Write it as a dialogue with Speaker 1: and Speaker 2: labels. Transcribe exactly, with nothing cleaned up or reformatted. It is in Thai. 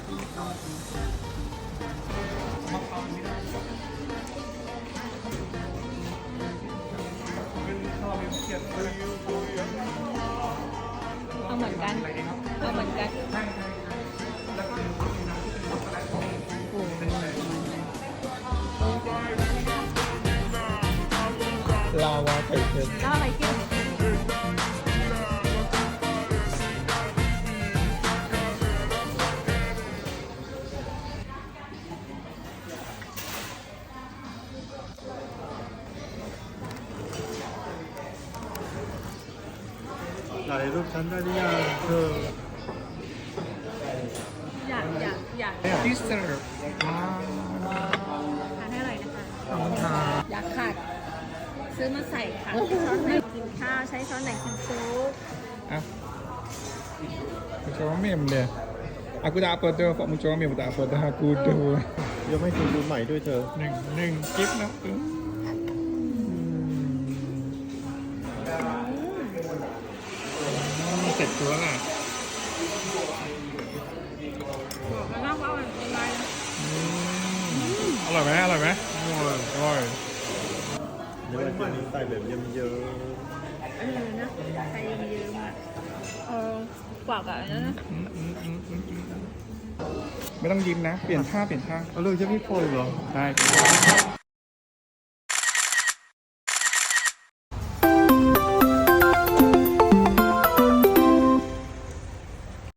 Speaker 1: เอาเหมือนกันเอาเหมือนกัน
Speaker 2: ลาวาไข่เค็ม
Speaker 1: แล้วอะไรเกี่ยว
Speaker 2: ถ่ายรูปฉันได้หรือยังเธอ
Speaker 1: อยากอยากอยาก
Speaker 2: ดิสเซอร์ว้าว
Speaker 1: ทานให้อร่อยนะคะ
Speaker 2: ขอบคุณค่ะ
Speaker 1: อยากขาดซื้อมาใส่ค่ะช้อนไหนกินข้าวใช้ช้อนไหนกินซุป
Speaker 2: อ่ะมึงจะว่าเมมเลยaku tak apa tu, Pak Muncul Amir pun tak apa dah aku tu.
Speaker 3: ยังไม่ถึงดูใหม่ด้วยเธอ
Speaker 2: หนึ่งหนึ่งกิฟต์นะอืมเสร็จตัวละ
Speaker 1: บอกแล้วนะว่ามันเป็นไร
Speaker 2: อืมอร่อยไหมอร่อยไหมอร่อยอร่อย
Speaker 3: เดี๋ยวมันจะมีใส่แบบเยิ้ม
Speaker 1: เออนะใครยืมอ่ะเออกว่ากับอันนั้นนะ
Speaker 2: อืมอืมอืมอืมอืมไม่ต้องยิ้มนะ เปลี่ยนท่าเปลี่ยนท่า
Speaker 3: ๆเอาเลยจะไม่พออีกเหรอ
Speaker 2: ได้